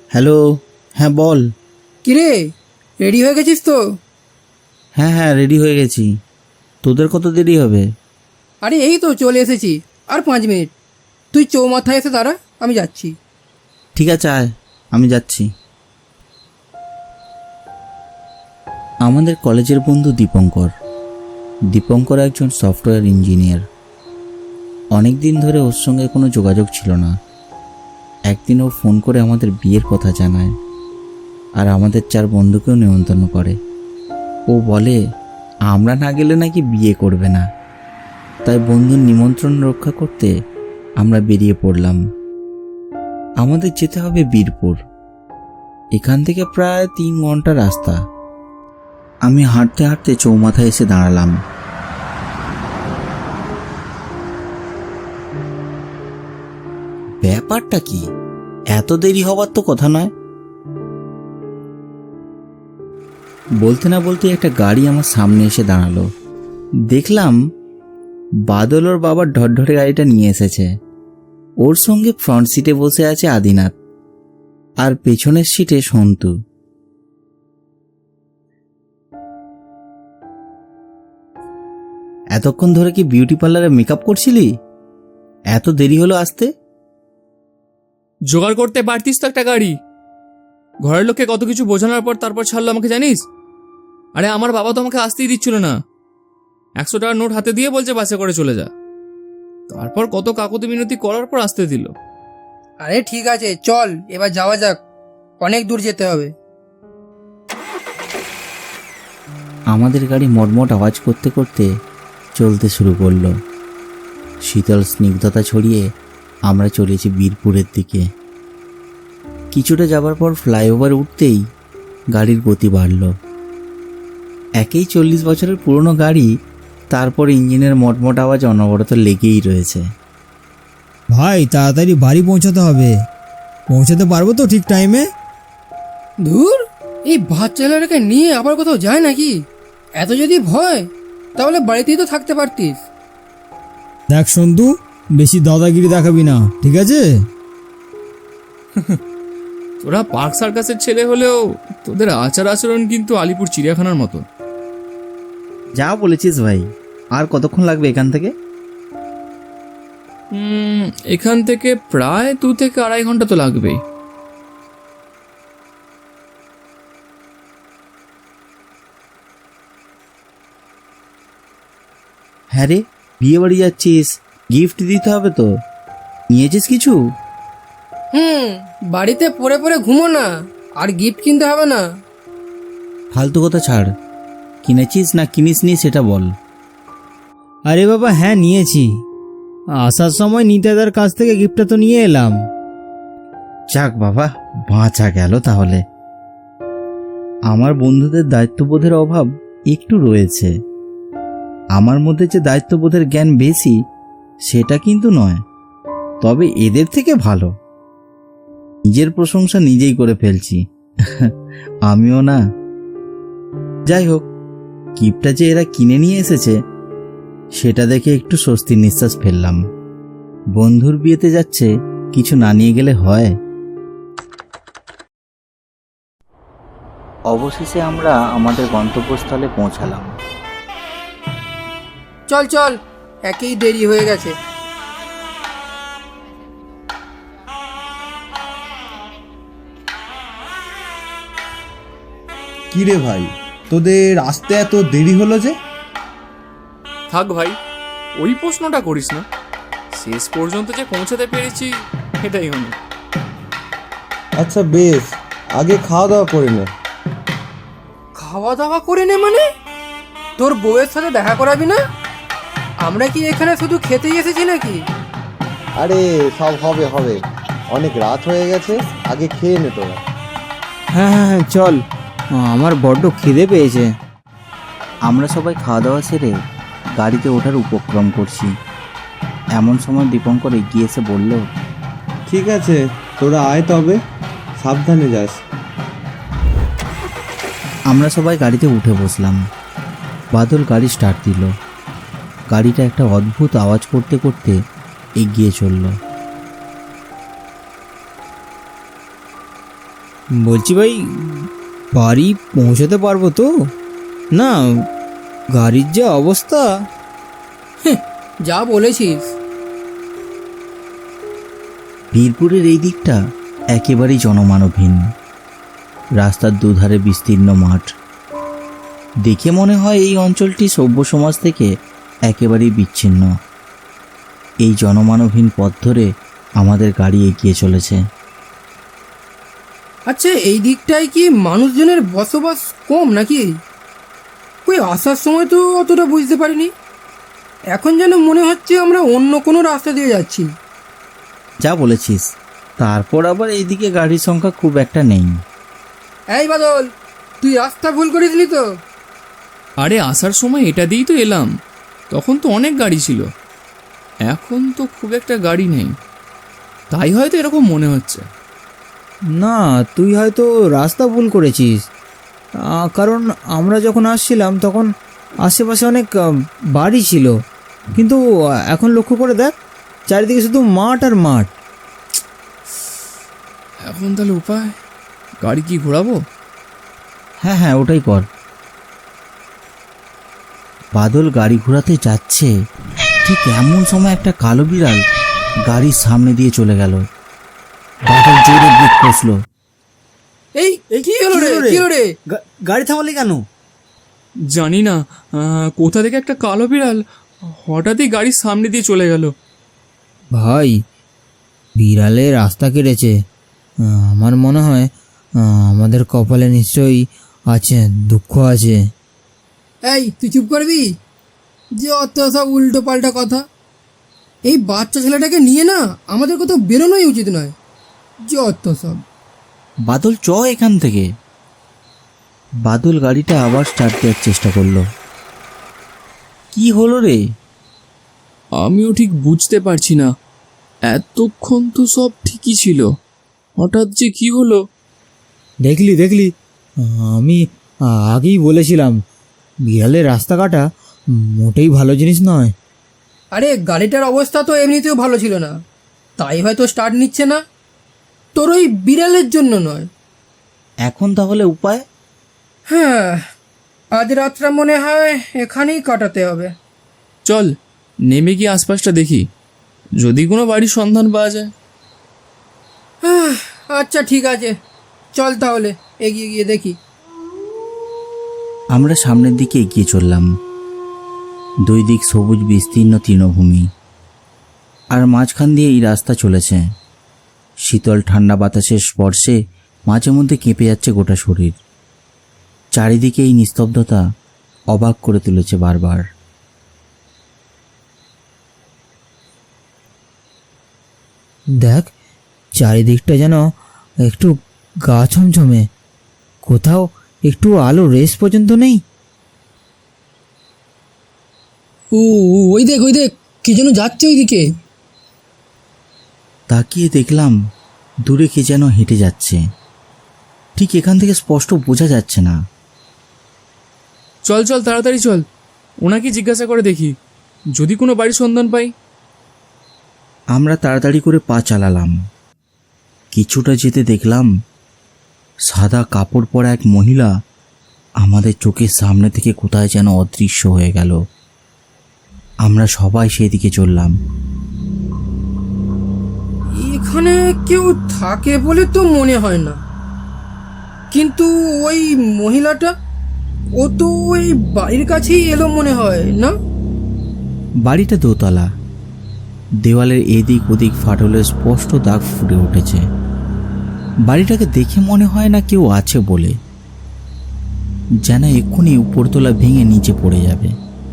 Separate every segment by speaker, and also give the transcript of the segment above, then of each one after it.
Speaker 1: Hello. হ্যাঁ বল।
Speaker 2: কিরে, ready হয়ে গেছিস তো?
Speaker 1: হ্যাঁ হ্যাঁ রেডি হয়ে গেছি। তোদের কত দেরি হবে?
Speaker 2: আরে এই তো চলে এসেছি, আর 5 মিনিট। তুই চৌমাথায় এসে দাঁড়া, আমি যাচ্ছি।
Speaker 1: ঠিক আছে আয়, আমি যাচ্ছি। আমাদের কলেজের বন্ধু দীপঙ্কর। দীপঙ্কর একজন সফটওয়্যার ইঞ্জিনিয়ার। অনেক দিন ধরে ওর সঙ্গে কোনো যোগাযোগ ছিল না। একদিন ও ফোন করে আমাদের বিয়ের কথা জানায়, আর আমাদের 4 বন্ধুকেও নিমন্ত্রণ করে। ও বলে আমরা না গেলে নাকি বিয়ে করবে না। তাই বন্ধুর নিমন্ত্রণ রক্ষা করতে আমরা বেরিয়ে পড়লাম। আমাদের যেতে হবে বীরপুর। এখান থেকে প্রায় 3 ঘন্টা রাস্তা। আমি হাঁটতে হাঁটতে চৌমাথায় এসে দাঁড়ালাম। ব্যাপারটা কি? এত দেরি হবার তো কথা নয়। বলতে না বলতে একটা গাড়ি আমার সামনে এসে দাঁড়ালো। দেখলাম বাদল ওর বাবার ঢরঢরে গাড়িটা নিয়ে এসেছে। ওর সঙ্গে ফ্রন্ট সিটে বসে আছে আদিনাথ, আর পেছনের সিটে সন্তু। এতক্ষণ ধরে কি বিউটি পার্লারে মেকআপ করছিলি? এত দেরি হলো আসতে?
Speaker 3: জোগাড় করতে পারতিস তো একটা গাড়ি। ঘরের লোককে কত কিছু বোঝানোর পর তারপর ছাড়লো আমাকে, জানিস? আরে আমার বাবা তো আমাকে আসতেই দিচ্ছিল না। 100 টাকার নোট হাতে দিয়ে বলছে বাসে করে চলে যা। তারপর কত কাকুতি মিনতি করার পর আসতে দিল।
Speaker 2: আরে ঠিক আছে, চল এবার যাওয়া যাক, অনেক দূর যেতে হবে।
Speaker 1: আমাদের গাড়ি মটমট আওয়াজ করতে করতে চলতে শুরু করলো। শীতল স্নিগ্ধতা ছড়িয়ে আমরা চলেছি বীরপুরের দিকে। কিছুটা যাবার পর ফ্লাইওভার উঠতেই গাড়ির গতি বাড়ল। একেই 40 বছরের পুরনো গাড়ি, তারপর ইঞ্জিনের মটমট আওয়াজ অনবরত লেগেই রয়েছে।
Speaker 4: ভাই তাড়াতাড়ি বাড়ি পৌঁছাতে হবে। পৌঁছাতে পারবো তো ঠিক টাইমে?
Speaker 2: দূর, এই বাচ্চাটাকে নিয়ে আবার কোথাও যায় নাকি? এত যদি ভয়, তাহলে বাড়িতেই তো থাকতে পারতিস।
Speaker 4: দেখ সন্তু, বেশি দাদাগিরি দেখাবি না, ঠিক আছে?
Speaker 3: তোরা পার্ক সার্কাসের ছেলে হলেও তোদের আচার আচরণ কিন্তু আলিপুর চিড়িয়াখানার মতো।
Speaker 1: যা বলেছিস ভাই। আর কতক্ষণ লাগবে এখান থেকে?
Speaker 3: এখান থেকে প্রায় 2 থেকে 2.5 ঘন্টা তো লাগবেই।
Speaker 1: হ্যাঁ রে, বিয়ে বাড়ি যাচ্ছিস, গিফট দিতে হবে তো। নিয়েছিস কিছু?
Speaker 2: বাড়িতে পড়ে পড়ে ঘুমো না, আর গিফট কিনতে হবে না।
Speaker 1: ফালতু কথা ছাড়। কিনেছিস না কিনিসনি সেটা বল।
Speaker 4: আরে বাবা হ্যাঁ নিয়েছি। আসার সময় নিতাদার কাছ থেকে গিফটটা তো নিয়ে এলাম।
Speaker 1: যাক বাবা, বাঁচা গেল তাহলে। আমার বন্ধুদের দায়িত্ববোধের অভাব একটু রয়েছে। আমার মধ্যে যে দায়িত্ববোধের জ্ঞান বেশি সেটা কিন্তু নয়, তবে এদের থেকে ভালো। নিজের প্রশংসা নিজেই করে ফেলছি। আমিও না। যাই হোক, গিফটটা যে এরা কিনে নিয়ে এসেছে সেটা দেখে একটু স্বস্তির নিঃশ্বাস ফেললাম। বন্ধুর বিয়েতে যাচ্ছে, কিছু না নিয়ে গেলে হয়? অবশেষে আমরা আমাদের গন্তব্যস্থলে পৌঁছালাম।
Speaker 2: চল চল, একেই দেরি হয়ে গেছে।
Speaker 5: কি রে ভাই, তোদের আসতে এত দেরি হলো যে?
Speaker 3: থাক ভাই, ওই প্রশ্নটা করিস না। শেষ পর্যন্ত যে পৌঁছাতে পেরেছি এটাই অনেক।
Speaker 5: আচ্ছা বেশ, আগে খাওয়া দাওয়া করে নে।
Speaker 2: খাওয়া দাওয়া করে নে মানে? তোর বউয়ের সাথে দেখা করাবি না? আমরা কি এখানে শুধু খেতেই এসেছি নাকি?
Speaker 5: আরে সব হবে হবে, অনেক রাত হয়ে গেছে, আগে খেয়ে নে তোরা।
Speaker 4: হ্যাঁ হ্যাঁ হ্যাঁ চল, আমার বড্ড খিদে পেয়েছে।
Speaker 1: আমরা সবাই খাওয়া দাওয়া সেরে গাড়িতে ওঠার উপক্রম করছি। এমন সময় দীপঙ্কর এগিয়ে এসে বলল,
Speaker 5: ঠিক আছে তোরা আয়, তবে সাবধানে যাস।
Speaker 1: আমরা সবাই গাড়িতে উঠে বসলাম। বাদল গাড়ি স্টার্ট দিল। গাড়িটা একটা অদ্ভুত আওয়াজ করতে করতে এগিয়ে চলল।
Speaker 4: বলছি ভাই, বাড়ি পৌঁছাতে পারবো তো? না, গাড়ির যা অবস্থা।
Speaker 2: যা বলেছিস।
Speaker 1: বীরপুরের এই দিকটা একেবারেই জনমানবহীন। রাস্তার দুধারে বিস্তীর্ণ মাঠ। দেখে মনে হয় এই অঞ্চলটি সভ্য সমাজ থেকে একেবারেই বিচ্ছিন্ন। এই জনমানবহীন পথ ধরে আমাদের গাড়ি এগিয়ে চলেছে।
Speaker 2: আচ্ছা, এই দিকটায় কি মানুষজনের বসবাস কম নাকি? ওই আসার সময় তো অতটা বুঝতে পারিনি। এখন যেন মনে হচ্ছে আমরা অন্য কোনো রাস্তা দিয়ে যাচ্ছি।
Speaker 1: যা বলেছিস, তারপর আবার এইদিকে গাড়ির সংখ্যা খুব একটা নেই।
Speaker 2: এই বাদল, তুই রাস্তা ভুল করেছিলি তো?
Speaker 3: আরে আসার সময় এটা দিয়েই তো এলাম, তখন তো অনেক গাড়ি ছিল। এখন তো খুব একটা গাড়ি নেই, তাই হয়তো এরকম মনে হচ্ছে।
Speaker 4: না, তুই হয়তো রাস্তা ভুল করেছিস। কারণ আমরা যখন আসছিলাম তখন আশেপাশে অনেক বাড়ি ছিল, কিন্তু এখন লক্ষ্য করে দেখ, চারিদিকে শুধু মাঠ আর মাঠ।
Speaker 3: এখন তাহলে উপায়, গাড়ি কি ঘোরাবো?
Speaker 1: হ্যাঁ হ্যাঁ, ওটাই কর। বাদল গাড়ি ঘোরাতে যাচ্ছে, ঠিক এমন সময় একটা কালো বিড়াল গাড়ির সামনে দিয়ে চলে গেল। বাদল জোরে ব্রেক কষলো।
Speaker 2: এই কি হলো রে? কি হলো রে?
Speaker 4: গাড়ি থামালি কেন?
Speaker 3: জানি না, কোথা থেকে একটা কালো বিড়াল হঠাৎই গাড়ির সামনে দিয়ে চলে গেল।
Speaker 4: ভাই, বিড়ালে রাস্তা কেটেছে। আমার মনে হয় আমাদের কপালে নিশ্চয়ই আছে, দুঃখ আছে।
Speaker 2: এই তুই চুপ করবি? যে অত সব উল্টো পাল্টা কথা। এই বাচ্চা ছেলেটাকে নিয়ে না আমাদের কোথাও বেরোনোই উচিত নয়। যে অত সব।
Speaker 1: বাদল, চ এখান থেকে। বাদল গাড়িটা আবার স্টার্ট দেওয়ার চেষ্টা করলো। কি হলো রে?
Speaker 3: আমিও ঠিক বুঝতে পারছি না, এতক্ষণ তো সব ঠিকই ছিল, হঠাৎ যে কি হলো।
Speaker 4: দেখলি দেখলি, আমি আগেই বলেছিলাম বিড়ালের রাস্তা কাটা মোটেই ভালো জিনিস নয়।
Speaker 2: আরে গাড়িটার অবস্থা তো এমনিতেও ভালো ছিল না, তাই হয়তো স্টার্ট নিচ্ছে না। তোর ওই বিড়ালের জন্য নয়।
Speaker 1: এখন তাহলে উপায়?
Speaker 2: হ্যাঁ, আজ রাতটা মনে হয় এখানেই কাটাতে হবে।
Speaker 3: চল নেমে গিয়ে আশপাশটা দেখি, যদি কোনো বাড়ির সন্ধান পাওয়া যায়।
Speaker 2: আচ্ছা ঠিক আছে, চল তাহলে এগিয়ে গিয়ে দেখি।
Speaker 1: আমরা সামনের দিকে এগিয়ে চললাম। দুই দিক সবুজ বিস্তীর্ণ তৃণভূমি, আর মাঝখান দিয়ে এই রাস্তা চলেছে। শীতল ঠান্ডা বাতাসের স্পর্শে মাঝে মধ্যে কেঁপে যাচ্ছে গোটা শরীর। চারিদিকে এই নিস্তব্ধতা অবাক করে তুলেছে বারবার।
Speaker 4: দেখ, চারিদিকটা যেন একটু গা ছমছমে, কোথাও একটু আলো রেস পর্যন্ত নেই।
Speaker 2: ওই দেখ কি যেন যাচ্ছে ওইদিকে।
Speaker 1: তাকিয়ে দেখলাম দূরে কে যেন হেঁটে যাচ্ছে, ঠিক এখান থেকে স্পষ্ট বোঝা যাচ্ছে না।
Speaker 3: চল চল তাড়াতাড়ি চল, ওনাকে জিজ্ঞাসা করে দেখি, যদি কোনো বাড়ির সন্ধান পাই।
Speaker 1: আমরা তাড়াতাড়ি করে পা চালালাম। কিছুটা যেতে দেখলাম সাদা কাপড় পরা এক মহিলা আমাদের চোখের সামনে থেকে কোথায় যেন অদৃশ্য হয়ে গেল। আমরা সবাই সেদিকে চললাম।
Speaker 2: এখানে কেউ থাকে বলে তো মনে হয় না, কিন্তু ওই মহিলাটা, ও তো ওই বাড়ির কাছেই এলো মনে হয় না?
Speaker 1: বাড়িটা দোতলা, দেওয়ালের এদিক ওদিক ফাটলের স্পষ্ট দাগ ফুটে উঠেছে। বাড়িটাকে দেখে মনে হয় না কেউ আছে বলে, যেন এক্ষুনি উপরতলা ভেঙে নিচে পড়ে যাবে।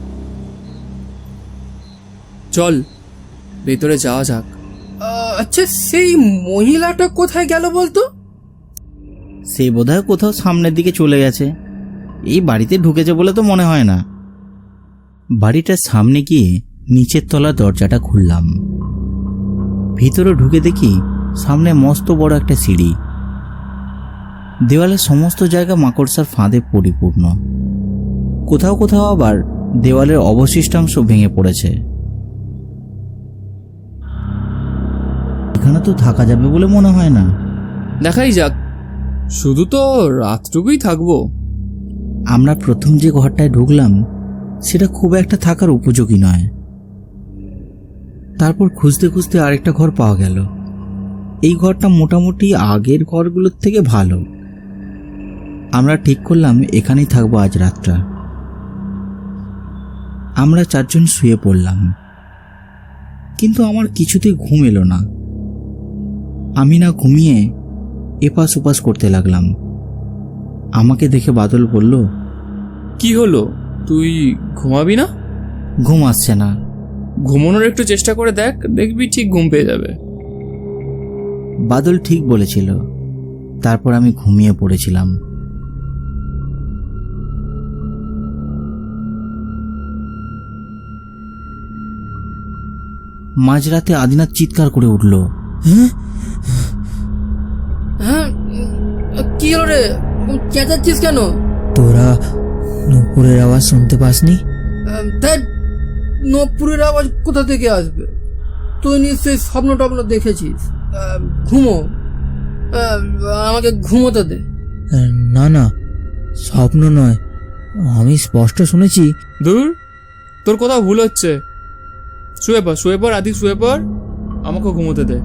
Speaker 3: চল ভেতরে যাওয়া যাক।
Speaker 2: আচ্ছা, সেই মহিলাটা কোথায় গেল বলতো?
Speaker 1: সে বোধহয় কোথাও সামনের দিকে চলে গেছে, এই বাড়িতে ঢুকেছে বলে তো মনে হয় না। বাড়িটার সামনে গিয়ে নিচের তলার দরজাটা খুললাম। ভিতরে ঢুকে দেখি সামনে মস্ত বড় একটা সিঁড়ি। দেওয়ালের সমস্ত জায়গা মাকড়সার ফাঁদে পরিপূর্ণ। কোথাও কোথাও আবার দেওয়ালের অবশিষ্টাংশ ভেঙে পড়েছে। এখানে তো থাকা যাবে বলে মনে হয় না।
Speaker 3: দেখাই যাক, শুধু তো রাতটুকুই থাকবো।
Speaker 1: আমরা প্রথম যে ঘরটায় ঢুকলাম সেটা খুব একটা থাকার উপযোগী নয়। তারপর খুঁজতে খুঁজতে আরেকটা ঘর পাওয়া গেল। এই ঘরটা মোটামুটি আগের ঘরগুলোর থেকে ভালো। আমরা ঠিক করলাম এখানেই থাকবো আজ রাতটা। আমরা 4 জন শুয়ে পড়লাম, কিন্তু আমার কিছুতেই ঘুম এলো না। আমি না ঘুমিয়ে এপাশ ওপাশ করতে লাগলাম। আমাকে দেখে বাদল বলল,
Speaker 3: কি হলো, তুই ঘুমাবি না?
Speaker 1: ঘুম আসছে না।
Speaker 3: ঘুমানোর একটু চেষ্টা করে দেখ, দেখবি ঠিক ঘুম পেয়ে যাবে।
Speaker 1: বাদল ঠিক বলেছিল। তারপর আমি ঘুমিয়ে পড়েছিলাম। মাঝরাতে আদিনাথ চিৎকার করে উঠল,
Speaker 2: হ্যাঁ, কি হলো রে, চেঁচাচ্ছিস কেন?
Speaker 4: তোরা নুপুরের আওয়াজ শুনতে পাসনি?
Speaker 2: ধ্যাৎ, নপুরের আওয়াজ কোথা থেকে আসবে? তুই নিশ্চয়ই স্বপ্ন টপ্ন দেখেছিস। ঘুমো, আমাকে ঘুমোতে দে।
Speaker 4: না না, স্বপ্ন নয়, আমি স্পষ্ট শুনেছি।
Speaker 3: দূর, তোর কোথাও ভুল হচ্ছে। শুয়ে পড় আদি, শুয়ে পড়, আমাকে ঘুমোতে দে।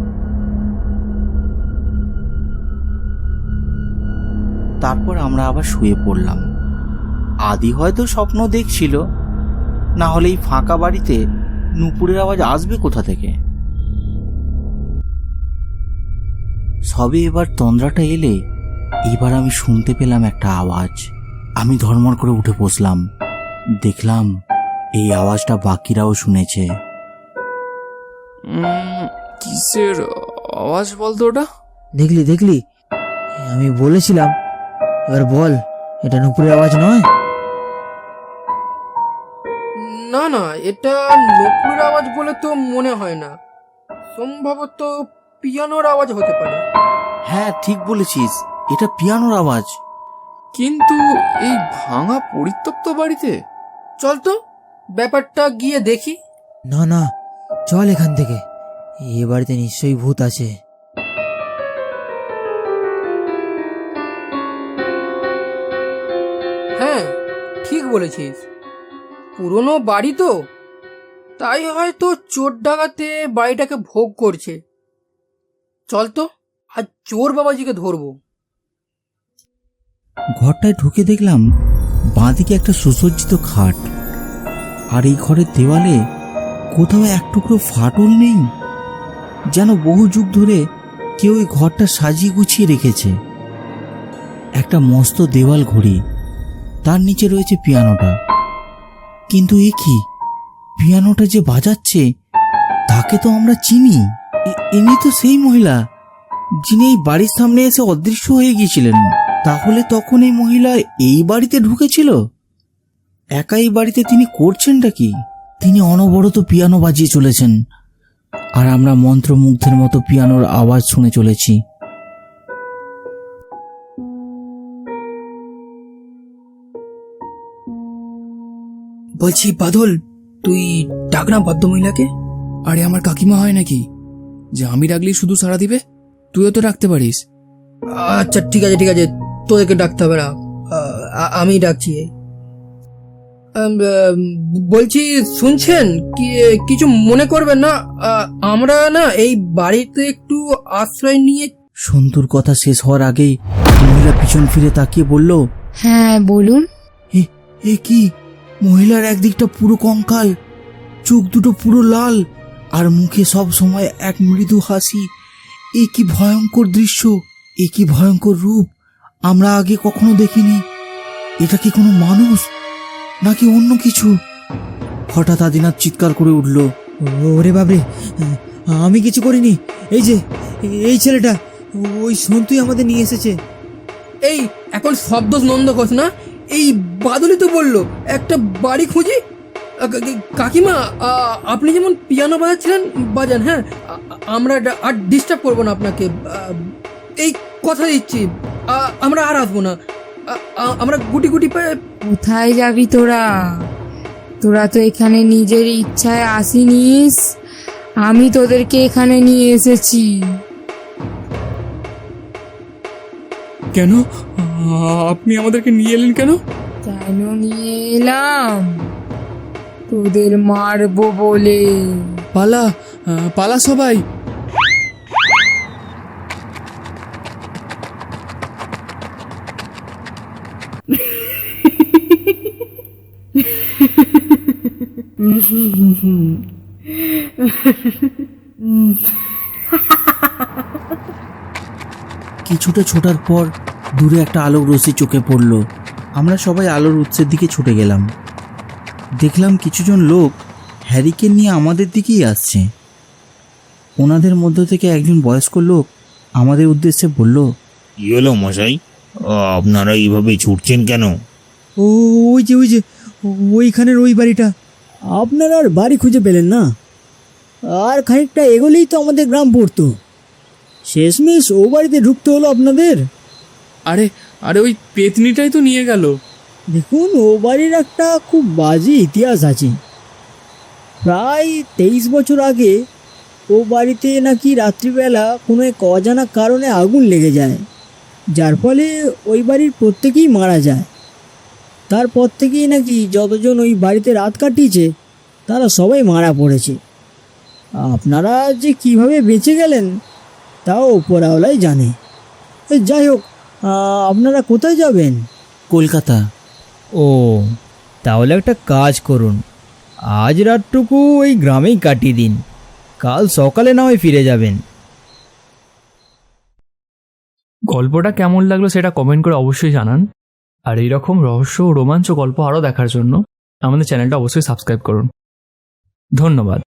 Speaker 1: তারপর আমরা আবার শুয়ে পড়লাম। আদি হয়তো স্বপ্ন দেখছিল, না হলে এই ফাঁকা বাড়িতে নুপুরের আওয়াজ আসবে কোথা থেকে? সবে এবার তন্দ্রাটা এলে এবার আমি শুনতে পেলাম একটা আওয়াজ। আমি ধর্মর করে উঠে বসলাম। দেখলাম এই আওয়াজটা বাকিরাও শুনেছে।
Speaker 3: কিসের আওয়াজ বলতো ওটা?
Speaker 4: দেখলি দেখলি, আমি বলেছিলাম। এবার বল, এটা নুপুরের আওয়াজ নয়?
Speaker 2: না না, এটা নপুরের আওয়াজ বলে তো মনে হয় না। সম্ভবত পিয়ানোর আওয়াজ হতে পারে।
Speaker 1: হ্যাঁ, ঠিক বলেছিস, এটা পিয়ানোর আওয়াজ।
Speaker 3: কিন্তু এই ভাঙা পরিত্যক্ত বাড়িতে?
Speaker 2: চল তো ব্যাপারটা গিয়ে দেখি।
Speaker 4: না না, চল এখান থেকে, এ বাড়িতে নিশ্চয়ই ভূত আছে।
Speaker 2: হ্যাঁ, ঠিক বলেছিস, পুরনো বাড়ি তো, তাই হয়তো চোর ডাকাতে বাড়িটাকে ভোগ করছে। চল তো, আজ চোর বাবাজিকে ধরবো।
Speaker 1: ঘরটায় ঢুকে দেখলাম বাঁদিকে একটা সুসজ্জিত খাট, আর এই ঘরের দেওয়ালে কোথাও এক টুকরো ফাটল নেই। যেন বহু যুগ ধরে কেউ এই ঘরটা সাজিয়ে গুছিয়ে রেখেছে। একটা মস্ত দেওয়াল ঘড়ি, তার নিচে রয়েছে পিয়ানোটা। কিন্তু এ কি, পিয়ানোটা যে বাজাচ্ছে তাকে তো আমরা চিনি। ইনি তো সেই মহিলা যিনি এই বাড়ির সামনে এসে অদৃশ্য হয়ে গিয়েছিলেন। তাহলে তখন এই মহিলা এই বাড়িতে ঢুকেছিল? একা এই বাড়িতে তিনি করছেনটা কি? তিনি অনবরত পিয়ানো বাজিয়ে চলেছেন, আর আমরা মন্ত্রমুগ্ধের মতো পিয়ানোর আওয়াজ শুনে চলেছি।
Speaker 2: বলছি বাদল, তুই ডাক না ভদ্রমহিলাকে।
Speaker 3: আরে আমার কাকিমা হয় নাকি যে আমি ডাকলেই শুধু সাড়া দিবে? তুইও তো ডাকতে পারিস।
Speaker 2: আচ্ছা ঠিক আছে ঠিক আছে, তোদেরকে ডাকতে হবে না, আমি ডাকছি। বলছি শুনছেন কি? কিছু মনে করবেন না, আমরা না এই বাড়িতে একটু আশ্রয় নিয়ে।
Speaker 1: সন্তুর কথা শেষ হওয়ার আগেই মহিলা পিছন ফিরে তাকিয়ে বলল,
Speaker 6: হ্যাঁ বলুন।
Speaker 1: এ কি? মহিলার একদিকটা পুরো কঙ্কাল, চোখ দুটো পুরো লাল, আর মুখে সব সময় এক মৃদু হাসি। এ কি ভয়ঙ্কর দৃশ্য, এ কি ভয়ঙ্কর রূপ! আমরা আগে কখনো দেখিনি। এটা কি কোনো মানুষ নাকি অন্য কিছু? হঠাৎ আদিনাথ চিৎকার করে উঠল,
Speaker 4: ওরে বাবরে, আমি কিছু করিনি। এই যে এই ছেলেটা, ওই সন্তুই আমাদের নিয়ে এসেছে।
Speaker 2: এই এখন শব্দ নন্দ ঘোষ না, এই বাদলই তো বললো একটা বাড়ি খুঁজি। কাকিমা, আপনি যেমন পিয়ানো বাজাচ্ছিলেন বাজান, হ্যাঁ, আমরা আর ডিস্টার্ব করবো না আপনাকে, এই কথা দিচ্ছি। আমরা আর আসবো না, আমরা গুটি গুটি পায়ে।
Speaker 6: কোথায় যাবি তোরা? তোরা তো এখানে নিজের ইচ্ছায় আসিনিস, আমি তোদেরকে এখানে নিয়ে এসেছি।
Speaker 3: কেন আপনি আমাদেরকে নিয়ে এলেন কেন?
Speaker 6: কেন নিয়ে এলাম? তোদের মারবো বলে।
Speaker 3: পালা পালা সবাই।
Speaker 1: কিছুটা ছোটার পর দূরে একটা আলোক রশ্মি চোখে পড়ল। আমরা সবাই আলোর উৎসের দিকে ছুটে গেলাম। দেখলাম কিছুজন লোক হ্যারিকে নিয়ে আমাদের দিকেই আসছে। ওনাদের মধ্য থেকে একজন বয়স্ক লোক আমাদের উদ্দেশ্যে বলল,
Speaker 7: কি হলো মশাই, আপনারা এইভাবে ছুটছেন কেন?
Speaker 4: ওই যে ওইখানের ওই বাড়িটা। আপনারা আর বাড়ি খুঁজে পেলেন না? আর খানিকটা এগোলেই তো আমাদের গ্রাম পড়তো। শেষমেশ ও বাড়িতে ঢুকতে হলো আপনাদের।
Speaker 3: আরে আরে ওই পেতনিটাই তো নিয়ে গেল।
Speaker 4: দেখুন, ও বাড়ির একটা খুব বাজে ইতিহাস আছে। প্রায় 23 বছর আগে ও বাড়িতে নাকি রাত্রিবেলা কোনো এক অজানা কারণে আগুন লেগে যায়, যার ফলে ওই বাড়ির প্রত্যেকেই মারা যায়। তারপর থেকেই নাকি যতজন ওই বাড়িতে রাত কাটিয়েছে তারা সবাই মারা পড়েছে। আপনারা যে কিভাবে বেঁচে গেলেন তাও ওপরওয়ালাই জানে। যাই হোক, আপনারা কোথায় যাবেন?
Speaker 1: কলকাতা।
Speaker 4: ও, তাহলে একটা কাজ করুন, আজ রাতটুকু ওই গ্রামেই কাটিয়ে দিন, কাল সকালে না হয় ফিরে যাবেন।
Speaker 3: গল্পটা কেমন লাগলো সেটা কমেন্ট করে অবশ্যই জানান। আর এইরকম রহস্য ও রোমাঞ্চ গল্প আরও দেখার জন্য আমাদের চ্যানেলটা অবশ্যই সাবস্ক্রাইব করুন। ধন্যবাদ।